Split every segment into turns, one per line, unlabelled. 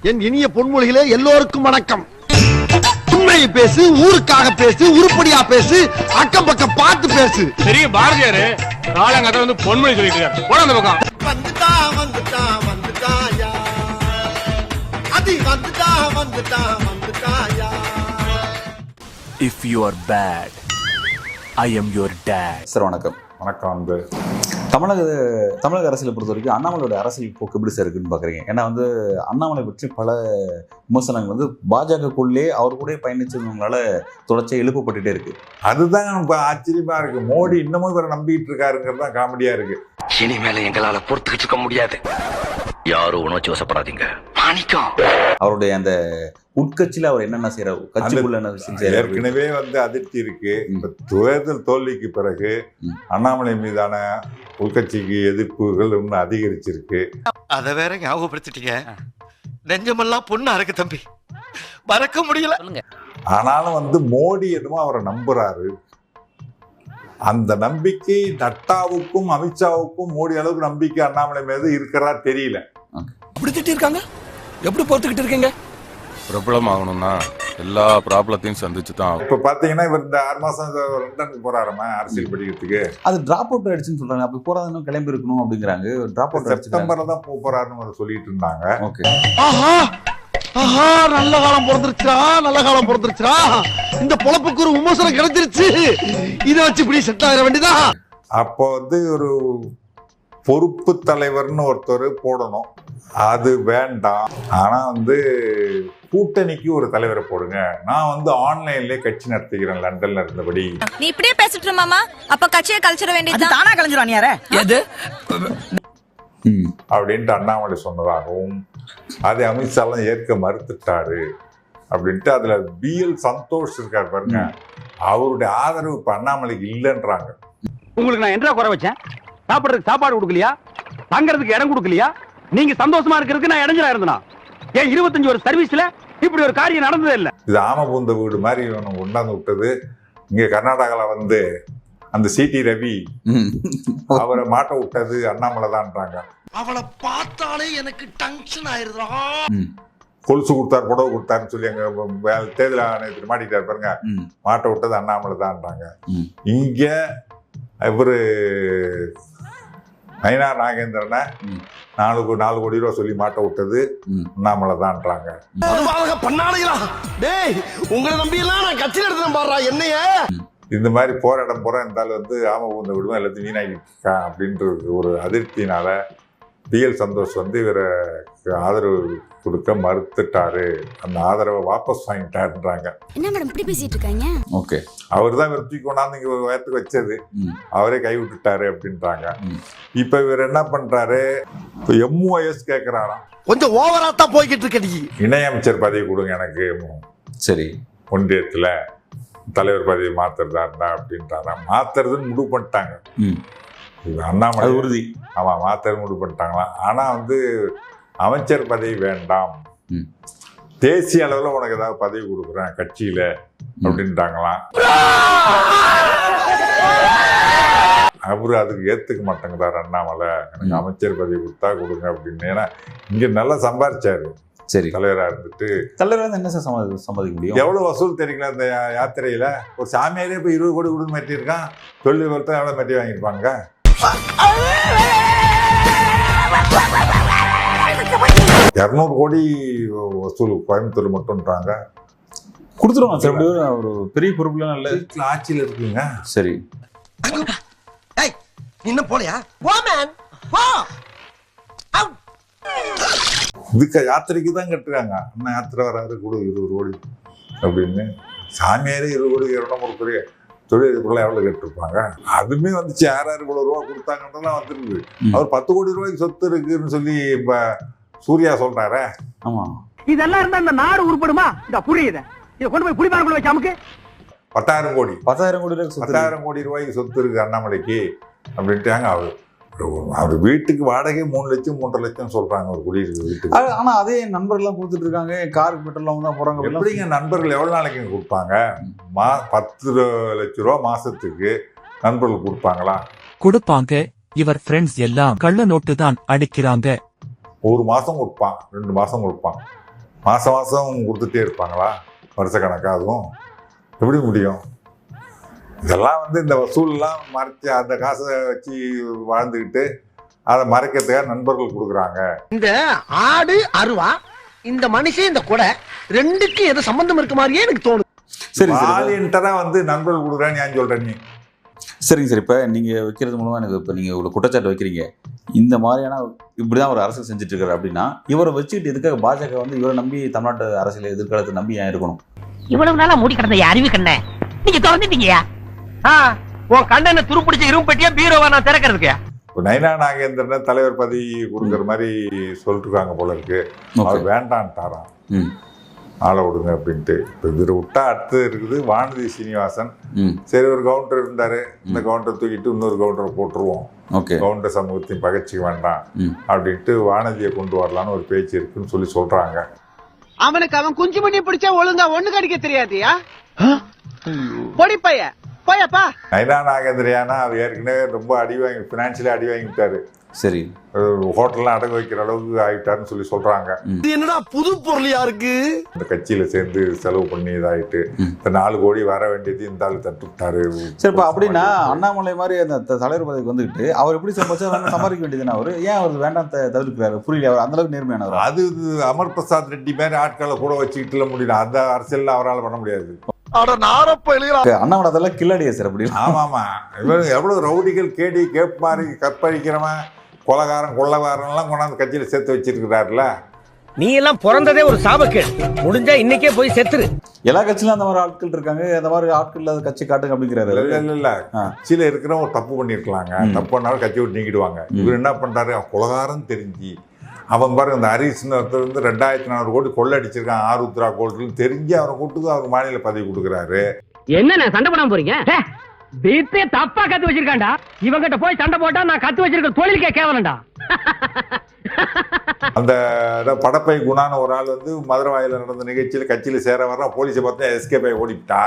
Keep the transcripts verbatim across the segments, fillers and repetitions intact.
என் இனிய பொன்மொழிகளே எல்லோருக்கும் வணக்கம். உண்மையை பேசு, ஊருக்காக பேசு, உருப்படியா பேசு, அக்கம் பக்கம் பார்த்து பேசு.
பெரிய பாரதியாரு காலங்கத்தை வந்து பொன்மொழி சொல்லிட்டு இருக்காரு. போட அந்த பக்கம்.
வந்துட்டா வந்துட்டா வந்துட்டாயா, அது வந்துட்டா வந்துட்டா வந்துட்டாயா.
If you are bad, I am your dad.
Sir வணக்கம்.
வணக்கம். வந்து
தமிழக தமிழக அரசியலை பொறுத்த வரைக்கும் அண்ணாமலையோட அரசியல் போக்கு எப்படி சார் இருக்குன்னு பார்க்குறீங்க? ஏன்னா வந்து அண்ணாமலை பற்றி பல விமர்சனங்கள் வந்து பாஜகக்குள்ளே அவர் கூட பயணிச்சவங்களால தொடர்ச்சியாக எழுப்பப்பட்டுட்டே இருக்கு.
அதுதான் இப்போ ஆச்சரியமா இருக்கு. மோடி இன்னமும் இவரை நம்பிட்டு இருக்காருங்கிறது தான் காமெடியா இருக்கு.
இனிமேல எங்களால பொறுத்துக்கிட்டு இருக்க முடியாது. யாரும் உணர்ச்சி வசப்படாதீங்க. மாணிக்கம்
அவருடைய அந்த உட்கட்சியில அவர் என்னென்ன செய்யறாரு, கட்சிக்குள்ள என்ன விஷயம் செய்யறாரு,
ஏற்கனவே வந்து அதிர்ச்சி இருக்கு. இப்ப தேர்தல் தோல்விக்கு பிறகு அண்ணாமலை மீதான உள்கட்சிக்கு எதிர்ப்புகள் இன்னும் அதிகரிச்சிருக்கு.
அத வேற ஞாபகப்படுத்திட்டீங்க. நெஞ்சமெல்லாம் பொண்ணா இருக்கு தம்பி, மறக்க முடியல.
ஆனாலும் வந்து மோடி என்னமோ அவரை நம்புறாரு. அந்த நம்பிக்கை நட்டாவுக்கும் அமித்ஷாவுக்கும் மோடி அளவுக்கு நம்பிக்கை அண்ணாமலை மீது இருக்கிறதா தெரியல.
அப்படி திட்டி இருக்காங்க, எப்படி பொறுத்துக்கிட்டு இருக்கீங்க?
பிரபலம் ஆகணும்னா எல்லா ப்ராப்ளத்தையும் சந்திச்சு தான்.
இப்ப பாத்தீங்கன்னா இவர் இந்த ஆறு மாசம் லண்டனுக்கு போறாருமா அரசியல் படிக்கிறதுக்கு.
அது டிராப் அவுட் ஆயிடுச்சுன்னு சொல்றாங்க. அப்படி போறாதுன்னு கிளம்பி இருக்கணும் அப்படிங்கிறாங்க. டிராப் அவுட்
செப்டம்பர்ல தான் போக போறாருன்னு சொல்லிட்டு இருந்தாங்க.
ஓகே.
ஆஹா ஆஹா, நல்ல காலம் பிறந்துருச்சா, நல்ல காலம் பிறந்துருச்சா. இந்த பொழப்புக்கு ஒரு விமர்சனம் கிடைச்சிருச்சு. இதை வச்சு இப்படி செட் ஆகிற வேண்டியதான்.
அப்போ வந்து ஒரு பொறுப்பு தலைவர்னு ஒருத்தர் போடணும், அது வேண்டாம். ஆனா வந்து கூட்டணிக்கு ஒரு தலைவரை போடுங்க. நான் வந்து ஆன்லைன்லயே கட்சி நடத்திக்கிறேன் லண்டன்ல இருந்தபடி.
நீ இப்படியே பேசிட்டு மாமா, அப்ப கட்சியை கலைச்சிட வேண்டியது
தானா கலைஞ்சிரும் யார எது
அப்படின்ட்டு அண்ணாமலை சொன்னதாகவும் அதை அமித்ஷாலாம் ஏற்க மறுத்துட்டாரு அப்படின்ட்டு அதுல பி எல் சந்தோஷ் இருக்காரு பாருங்க, அவருடைய ஆதரவு இப்ப அண்ணாமலைக்கு இல்லைன்றாங்க.
உங்களுக்கு நான் என்ன குறை வச்சேன்? சாப்பிடுறதுக்கு சாப்பாடு கொடுக்கலையா? தங்கறதுக்கு இடம் கொடுக்கலையா? நீங்க சந்தோஷமா இருக்கிறதுக்கு நான் இடைஞ்சலா இருந்தனா? ஏன் இருபத்தஞ்சு ஒரு சர்வீஸ்ல இப்படி ஒரு காரியம் நடந்ததே இல்ல.
இது ஆம பூந்த வீடு மாதிரி கொண்டாந்து விட்டது. இங்க கர்நாடகால வந்து அந்த சிடி ரவி அவரை மாட்ட விட்டது அண்ணாமலை தான்றாங்க.
அவளை பார்த்தாலே எனக்கு டென்ஷன் ஆயிருதா.
கொலுசு கொடுத்தாரு, புடவை கொடுத்தாருன்னு சொல்லி அங்க தேர்தல் ஆணையத்தில் மாட்டிட்டாரு பாருங்க, மாட்ட விட்டது அண்ணாமலை தான்றாங்க. இங்க இவரு நயினா நாகேந்திரனை நாலு நாலு கோடி ரூபா சொல்லி மாட்ட விட்டது அண்ணாமலை தான்றாங்க.
பண்ணாலையா டேய், உங்களை நம்பி எல்லாம் நான் கட்சி நடத்துறேன் பாடுறா என்னைய.
இந்த மாதிரி போற இடம் போற இருந்தாலும் வந்து ஆம பூந்த விடுவோம் எல்லாத்தையும் வீணாக்கிட்டு இருக்கான் அப்படின்ற ஒரு அதிருப்தினால பி எல் சந்தோஷ் வந்து இவரை ஆதரவு கொடுக்க மறுத்துட்டாரு. அந்த ஆதரவை வாபஸ் வாங்கிட்டாருன்றாங்க.
என்ன மேடம் இப்படி பேசிட்டு இருக்காங்க?
ஓகே.
அவர் தான் இவர் தூக்கி கொண்டாந்து இங்க வயத்துக்கு வச்சது, அவரே கை விட்டுட்டாரு அப்படின்றாங்க. இப்ப இவர் என்ன பண்றாரு, இப்ப எம்ஓஎஸ் கேட்கிறாராம்.
கொஞ்சம் ஓவரா தான் போய்கிட்டு இருக்க. நீ
இணையமைச்சர் பதவி கொடுங்க எனக்கு,
சரி
ஒன்றியத்துல தலைவர் பதவி மாத்துறதா இருந்தா அப்படின்றாரா. மாத்துறதுன்னு முடிவு பண்ணிட்டாங்க அண்ணாமலை உறுதி. ஆமா, மாத்துறது முடிவு பண்ணிட்டாங்களாம். ஆனா வந்து அமைச்சர் பதவி வேண்டாம், தேசிய அளவுல உனக்கு ஏதாவது பதவி கொடுக்குறேன் கட்சியில அப்படின்ட்டாங்களாம். அவரு அதுக்கு ஏத்துக்க மாட்டேங்கிறார் அண்ணாமலை. எனக்கு அமைச்சர் பதவி கொடுத்தா கொடுங்க அப்படின்னு. ஏன்னா இங்க நல்லா சம்பாதிச்சாரு.
சரி,
தலைவரா இருந்துட்டு
தலைவர் வந்து என்ன சார் சம்பாதிக்க முடியும்?
எவ்வளவு வசூல் தெரியுங்களா இந்த யாத்திரையில? ஒரு சாமியாரே இப்ப இருபது கோடி கொடுத்து மாட்டியிருக்கான். தொழில் ஒருத்தர் எவ்வளவு மாட்டி வாங்கியிருப்பாங்க? இருநூறு கோடி வசூல் கோயம்புத்தூர் மட்டும்ன்றாங்க.
கொடுத்துருவாங்க சார். ஒரு பெரிய பொறுப்புலாம் இல்ல,
ஆட்சியில் இருக்குங்க.
சரி,
இன்னும் போலையா?
இதுக்கு யாத்திரைக்கு தான் கட்டுறாங்க. அண்ணா யாத்திரை வராது கொடு இருபது கோடி அப்படின்னு. சாமியாரே இருபது கோடி இரநூறு கோடி தொழில் இதுக்குள்ள எவ்வளவு கேட்டிருப்பாங்க. அதுமே வந்துச்சு. யாராரு இவ்வளவு ரூபா கொடுத்தாங்கன்றதுலாம் வந்துருக்கு. அவர் பத்து கோடி ரூபாய்க்கு சொத்து இருக்குன்னு சொல்லி இப்ப சூர்யா சொல்றாரு.
ஆமா,
இதெல்லாம் இருந்தா இந்த நாடு உருப்படுமா? இந்த புரியுது. இதை கொண்டு போய் குடிபாரக்குள்ள வச்சு அமுக்கு.
பத்தாயிரம் கோடி
பத்தாயிரம் கோடி ரூபாய்
பத்தாயிரம் கோடி ரூபாய்க்கு சொத்து இருக்கு அண்ணாமலைக்கு அப்படின்ட்டாங்க. அவரு அவர் வீட்டுக்கு வாடகை மூணு லட்சம் மூன்றரை லட்சம் சொல்றாங்க ஒரு குடியிருக்க வீட்டுக்கு.
ஆனா அதே நண்பர்கள் எல்லாம் கொடுத்துட்டு இருக்காங்க. காருக்கு பெட்ரோல் தான் போறாங்க.
எப்படிங்க நண்பர்கள் எவ்வளவு நாளைக்கு கொடுப்பாங்க? மா பத்து லட்சம் ரூபா மாசத்துக்கு நண்பர்கள் கொடுப்பாங்களா?
கொடுப்பாங்க. இவர் ஃப்ரெண்ட்ஸ் எல்லாம் கள்ள நோட்டு தான் அடிக்கிறாங்க.
ஒரு மாசம் கொடுப்பான், ரெண்டு மாசம் கொடுப்பான். மாதம் மாதம் கொடுத்துட்டே இருப்பாங்களா வருஷக்கணக்காக? அதுவும் எப்படி முடியும்? இதெல்லாம் வந்து இந்த வசூல்லாம் மறைச்சி அந்த காசை வச்சு வாழ்ந்துக்கிட்டு அதை மறைக்கிறதுக்காக நண்பர்கள் கொடுக்குறாங்க.
இந்த ஆடு அருவா, இந்த மனுஷன் இந்த கொடை ரெண்டுக்கும் எது சம்பந்தம் இருக்க மாதிரியே எனக்கு தோணுது.
சரி
வாலியன்டரா வந்து நண்பர்கள் கொடுக்குறான்னு ஏன் சொல்ற நீ?
சரிங்க சார், இப்போ நீங்கள் வைக்கிறது மூலமாக எனக்கு இப்போ நீங்கள் இவ்வளோ குற்றச்சாட்டு வைக்கிறீங்க, இந்த மாதிரியான இப்படி தான் ஒரு அரசியல் செஞ்சுட்டு இருக்காரு அப்படின்னா, இவரை வச்சுக்கிட்டு எதுக்காக பாஜக வந்து இவரை நம்பி தமிழ்நாட்டு அரசியல் எதிர்காலத்தை நம்பி ஏன் இருக்கணும்?
இவ்வளவு நாளா மூடி கிடந்த அறிவு கண்ண நீங்க திறந்துட்டீங்கயா? உன் கண்ணனை துருப்பிடிச்ச இரும்பு பெட்டியா பீரோவா நான் திறக்கிறதுக்கு?
இப்போ நைனா நாகேந்திரனை தலைவர் பதவி கொடுக்குற மாதிரி சொல்லிட்டு இருக்காங்க போல இருக்கு. அவர் வேண்டான்ட்டாராம், ஆளை விடுங்க அப்படின்ட்டு. இப்போ இவர் விட்டா அடுத்து இருக்குது வானதி சீனிவாசன். சரி, ஒரு கவுண்டர் இருந்தாரு, இந்த கவுண்டரை தூக்கிட்டு இன்னொரு கவுண்டரை போட்டுருவோம், கவுண்டர் சமூகத்தையும் பகச்சிக்க வேண்டாம் அப்படின்ட்டு வானதியை கொண்டு வரலான்னு ஒரு பேச்சு இருக்குன்னு சொல்லி சொல்றாங்க.
அவனுக்கு அவன் குஞ்சு மணி பிடிச்சா ஒழுங்கா ஒண்ணு கடிக்க தெரியாதியா? பொடி பைய போயப்பா.
நைனா நாகேந்திரியானா அவர் ஏற்கனவே ரொம்ப அடி வாங்கி பினான்சியலி அடி வாங்கிட்டாரு.
சரி,
ஹோட்டல்லாம் அடகு வைக்கிற அளவுக்கு ஆகிட்டாருன்னு சொல்லி சொல்றாங்க.
என்னடா புது பொருளியா இருக்கு?
இந்த கட்சியில சேர்ந்து செலவு பண்ணி இதாயிட்டு இந்த நாலு கோடி வர வேண்டியது இந்த ஆளு தட்டு விட்டாரு.
சரி, இப்போ அப்படின்னா அண்ணாமலை மாதிரி அந்த தலைவர் பதவிக்கு வந்துட்டு அவர் எப்படி சம்பாதிச்சா சம்பாதிக்க வேண்டியதுன்னா அவர் ஏன் அவர் வேண்டாம் தவிர்க்கிறாரு? புரியல, அவர் அந்த அளவுக்கு நேர்மையானவர்.
அது அமர் பிரசாத் ரெட்டி மாதிரி ஆட்களை கூட வச்சுக்கிட்டுல முடியல, அந்த அரசியல் அவரால் பண்ண முடியாது.
அண்ணாமலை அதெல்லாம் கில்லாடியா சார் அப்படி?
ஆமா ஆமா, இவரு எவ்வளவு ரவுடிகள் கேடி கேப் மாதிரி கற்பழிக்கிறவன் கொலகாரன் கொள்ளகாரன் எல்லாம் கொண்டாந்து கட்சியில சேர்த்து வச்சிருக்கிறாருல.
நீ எல்லாம் பிறந்ததே ஒரு சாபக்கேடு, முடிஞ்சா இன்னைக்கே போய் செத்துரு.
எல்லா கட்சியிலும் அந்த மாதிரி ஆட்கள் இருக்காங்க, அந்த மாதிரி ஆட்கள் இல்லாத கட்சி காட்டுங்க அப்படிங்கிறாரு.
இல்ல இல்ல இல்ல கட்சியில இருக்கிறவங்க ஒரு தப்பு பண்ணிருக்கலாங்க, தப்பு பண்ணாலும் கட்சி விட்டு நீக்கிடுவாங்க. இவர் என்ன பண்றாரு, கொலகாரன் தெரிஞ்சு அவன் பாருங்க இந்த ஹரிஸ்னு ஒருத்தர் வந்து ரெண்டாயிரத்தி நானூறு கோடி கொள்ள அடிச்சிருக்கான் ஆருத்ரா கோல்டுன்னு தெரிஞ்சு அவரை கூட்டுக்கு அவருக்கு மாநில பதவி கொடுக்குறாரு.
என்ன சண்டை போடாம போறீங்க? வீட்டே தப்பா கத்து வச்சிருக்காண்டா, இவங்கிட்ட போய் சண்டை போட்டா நான் கத்து வச்சிருக்க தொழிலுக்கே கேவலண்டா.
அந்த படப்பை குணான ஒரு ஆள் வந்து மதுரை வாயில நடந்த நிகழ்ச்சியில கட்சியில சேர வர்ற போலீஸை பார்த்தா எஸ்கேப் ஆகி ஓடிவிட்டா.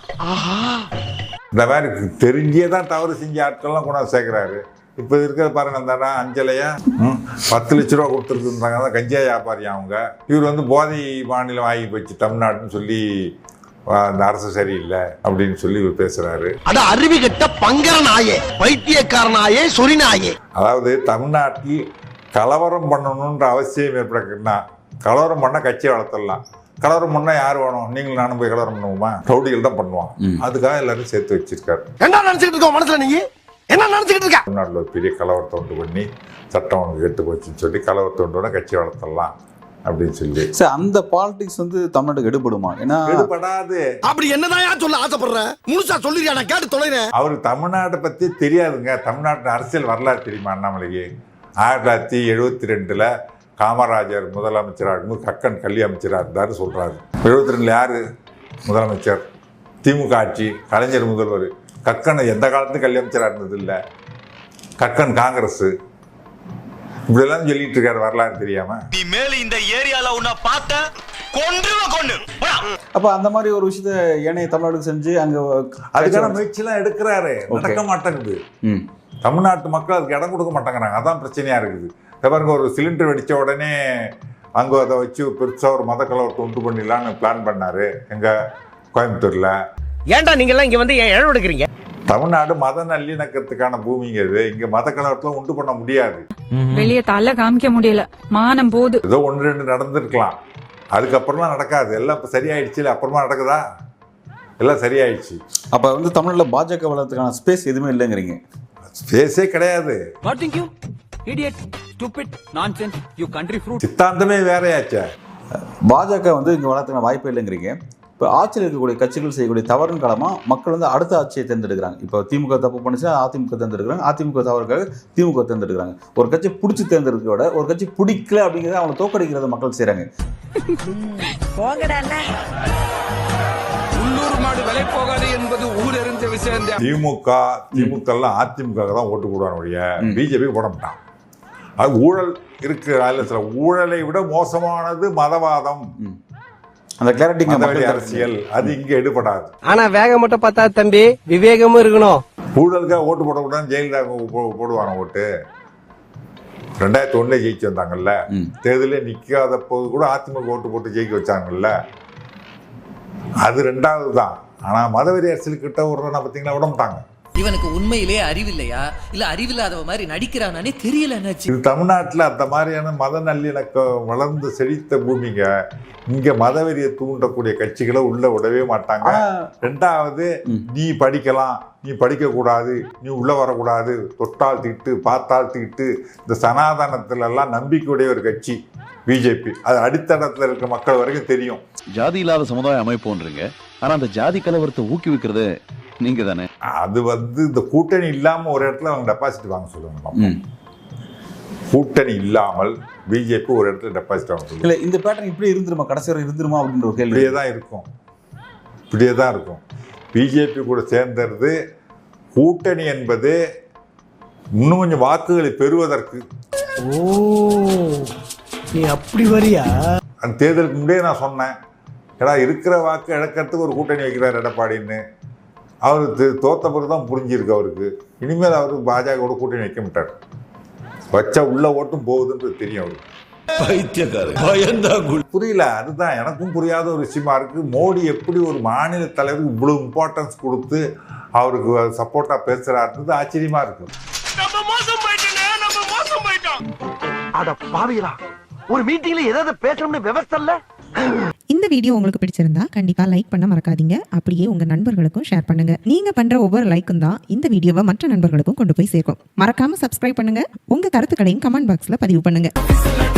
இந்த மாதிரி தெரிஞ்சே தான் தவறு செஞ்ச ஆட்கள்லாம் கொண்டாந்து சேர்க்கிறாரு. இப்போ இருக்கிற பாருங்க அந்த அஞ்சலையா பத்து லட்ச ரூபா கொடுத்துருக்குறாங்க, தான் கஞ்சா வியாபாரி அவங்க. இவர் வந்து போதை மாநிலம் ஆகி போச்சு தமிழ்நாடுன்னு சொல்லி அந்த அரசு சரியில்லை அப்படின்னு சொல்லி இவர் பேசுறாரு.
அட அறிவு கெட்ட பங்கர நாயே, பைத்தியக்கார நாயே, சொரி நாயே.
அதாவது தமிழ்நாட்டில் கலவரம் பண்ணணுன்ற அவசியம் ஏற்படுன்னா கலவரம் பண்ண கட்சியை வளர்த்துடலாம். கலவரம் பண்ணா யார் வேணும்? நீங்களும் நானும் போய் கலவரம் பண்ணுவோமா? ரவுடிகள் தான் பண்ணுவான். அதுக்காக எல்லாரும் சேர்த்து வச்சிருக்காரு.
என்ன நினைச்சுக்கிட்டு இருக்கோம் மனசுல? நீங்க என்ன நினைச்சுக்கிட்டு இருக்க?
தமிழ்நாட்டில் ஒரு பெரிய கலவரத்தை உண்டு பண்ணி சட்டம் உனக்கு கெட்டு போச்சுன்னு சொல்லி கலவரத்தை உண்டு கட்சி வளர்த்தலாம் அப்படின்னு சொல்லி.
சார், அந்த பாலிடிக்ஸ் வந்து தமிழ்நாட்டுக்கு எடுபடுமா? ஏன்னா
எடுபடாது.
அப்படி என்னதான் சொல்ல ஆசைப்படுற? முழுசா சொல்லிருக்கா, நான் கேட்டு தொலைறேன்.
அவருக்கு தமிழ்நாட்டை பத்தி தெரியாதுங்க. தமிழ்நாட்டு அரசியல் வரலாறு தெரியுமா அண்ணாமலைக்கு? ஆயிரத்தி தொள்ளாயிரத்தி எழுபத்தி ரெண்டுல காமராஜர் முதலமைச்சராக இருக்கும்போது கக்கன் கல்வி அமைச்சராக இருந்தாரு சொல்றாரு. எழுபத்தி ரெண்டுல யாரு முதலமைச்சர்? திமுக ஆட்சி, கலைஞர் முதல்வர். கக்கன் எந்த காலத்துக்கும் கல்வி அமைச்சராக இருந்தது இல்லை. கக்கன் காங்கிரஸ். இப்படியெல்லாம் சொல்லிட்டு இருக்காரு வரலாறு தெரியாம.
நீ மேல இந்த ஏரியால உன்னை பார்த்த கொன்றுவ கொன்னு.
அப்ப அந்த மாதிரி ஒரு விஷயத்த ஏனைய தமிழ்நாடுக்கு செஞ்சு அங்க
அதுக்கான முயற்சி எல்லாம் எடுக்கிறாரு, நடக்க மாட்டேங்குது. தமிழ்நாட்டு மக்கள் அதுக்கு இடம் கொடுக்க மாட்டேங்கிறாங்க, அதான் பிரச்சனையா இருக்குது. பாருங்க, ஒரு சிலிண்டர் வெடிச்ச உடனே அங்க அதை வச்சு பெருசா ஒரு மத கலவரத்தை உண்டு பண்ணிடலான்னு பிளான் பண்ணாரு எங்க கோயம்புத்தூர்ல.
ஏன்டா நீங்க எல்லாம் இங்க வந்து ஏன் இழவு எடுக்கிறீங்க?
தமிழ்நாடு மத நல்லிணக்கத்துக்கான பூமிங்க இது. இங்க மத கலவரத்துல உண்டு பண்ண முடியாது.
வெளியே தள்ள காமிக்க முடியல, மானம் போது.
ஏதோ ஒன்று ரெண்டு நடந்திருக்கலாம், அதுக்கப்புறம்லாம் நடக்காது. எல்லாம் இப்ப சரியாயிடுச்சு. அப்புறமா நடக்குதா? எல்லாம் சரியாயிடுச்சு.
அப்ப வந்து தமிழ்ல பாஜக வளர்த்துக்கான ஸ்பேஸ் எதுவுமே இல்லைங்கிறீங்க?
ஸ்பேஸே கிடையாது. சித்தாந்தமே வேறையாச்சே.
பாஜக வந்து இங்க வளர்த்துக்கான வாய்ப்பே இல்லைங்கிறீங்க. இப்போ ஆட்சியில் இருக்கக்கூடிய கட்சிகள் செய்யக்கூடிய தவறின் காலமாக மக்கள் வந்து அடுத்த ஆட்சியை தேர்ந்தெடுக்கிறாங்க. இப்போ திமுக தப்பு பண்ணிச்சுன்னா அதிமுக தேர்ந்தெடுக்கிறாங்க, அதிமுக தவறுக்காக திமுக தேர்ந்தெடுக்கிறாங்க. ஒரு கட்சி பிடிச்சி தேர்ந்தெடுக்கிறத விட ஒரு கட்சி பிடிக்கல அப்படிங்கிறத அவங்க தோக்கடிக்கிறத மக்கள் செய்கிறாங்க.
திமுக திமுக எல்லாம் அதிமுக தான் ஓட்டு போடுவாங்க, பிஜேபி போட மாட்டான். அது ஊழல் இருக்கு. அதில் சில ஊழலை விட மோசமானது மதவாதம்,
அந்த கிளாரிட்டி
அரசியல். அது இங்க எடுபடாது.
ஆனா வேகம் மட்டும் பார்த்தா தம்பி, விவேகமும் இருக்கணும்.
ஊழலுக்காக ஓட்டு போடக்கூடாது ஜெயலலிதா போடுவாங்க ஓட்டு. ரெண்டாயிரத்தி ஒண்ணுல ஜெயிச்சு வந்தாங்கல்ல,
ம்.
தேர்தலில் நிக்காத போது கூட அதிமுக ஓட்டு போட்டு ஜெயிக்க வச்சாங்கல்ல, அது ரெண்டாவது தான். ஆனா மதவெறி அரசியல்கிட்ட ஒரு பார்த்தீங்கன்னா விட மாட்டாங்க.
இவனுக்கு உண்மையிலே அறிவில்லையா இல்ல அறிவில்லாதவ மாதிரி நடிக்கிறானே தெரியல.
இது தமிழ்நாட்டில் அந்த மாதிரியான மத நல்லிணக்கம் வளர்ந்து செழித்த பூமிங்க. இங்க மதவெறியை தூண்டக்கூடிய கட்சிகளை உள்ள விடவே மாட்டாங்க. ரெண்டாவது, நீ படிக்கலாம், நீ படிக்க கூடாது, நீ உள்ள வரக்கூடாது, தொட்டால் தீட்டு பார்த்தால் தீட்டு, இந்த சனாதனத்துல எல்லாம் நம்பிக்கையுடைய ஒரு கட்சி பிஜேபி. அது அடித்தளத்தில் இருக்க மக்கள் வரைக்கும் தெரியும்.
ஜாதி இல்லாத சமுதாய அமைப்புன்றீங்க, ஆனா அந்த ஜாதி கலவரத்தை ஊக்குவிக்கிறது நீங்க தானே.
அது வந்து இந்த கூட்டணி இல்லாம ஒரு இடத்துல அவங்க டெபாசிட் வாங்க சொல்லுவாங்க. கூட்டணி இல்லாமல் பிஜேபி ஒரு இடத்துல டெபாசிட் வாங்க சொல்லுவாங்க.
இல்ல இந்த பேட்டர்ன் இப்படி இருந்துருமா, கடைசி வரை இருந்துருமா அப்படின்ற ஒரு கேள்வி.
இப்படியே தான் இருக்கும், இப்படியே தான் இருக்கும். பிஜேபி கூட சேர்ந்தது கூட்டணி என்பது இன்னும் கொஞ்சம் வாக்குகளை பெறுவதற்கு.
ஓ, நீ அப்படி வரியா?
அந்த தேர்தலுக்கு முன்னே நான் சொன்னேன், ஏடா இருக்கிற வாக்கு இழக்கிறதுக்கு ஒரு கூட்டணி வைக்கிறார் எடப்பாடின்னு. அவருக்கு தோத்த பிறகு தான் புரிஞ்சிருக்கு அவருக்கு. இனிமேல் அவருக்கு பாஜகவோட கூட்டணி வைக்க மாட்டார். வச்சா உள்ள ஓட்டும் போகுதுன்றது தெரியும் அவருக்கு. புரியல, அதுதான் எனக்கும் புரியாத ஒரு விஷயமா இருக்கு. மோடி எப்படி ஒரு மாநில தலைவருக்கு இவ்வளவு இம்பார்ட்டன்ஸ் கொடுத்து அவருக்கு சப்போர்ட்டா பேசுறாருன்றது ஆச்சரியமா இருக்கு.
அட பாவிகளா, ஒரு மீட்டிங்ல ஏதாவது பேசணும்னு விவசாய இல்ல.
இந்த வீடியோ உங்களுக்கு பிடிச்சிருந்தா கண்டிப்பா லைக் பண்ண மறக்காதீங்க. அப்படியே உங்க நண்பர்களுக்கும் ஷேர் பண்ணுங்க. நீங்க பண்ற ஒவ்வொரு லைக்கும் தான் இந்த வீடியோவை மற்ற நண்பர்களுக்கும் கொண்டு போய் சேர்க்கும். மறக்காம சப்ஸ்கிரைப் பண்ணுங்க. உங்க கருத்துக்களையும் கமெண்ட் பாக்ஸ்ல பதிவு பண்ணுங்க.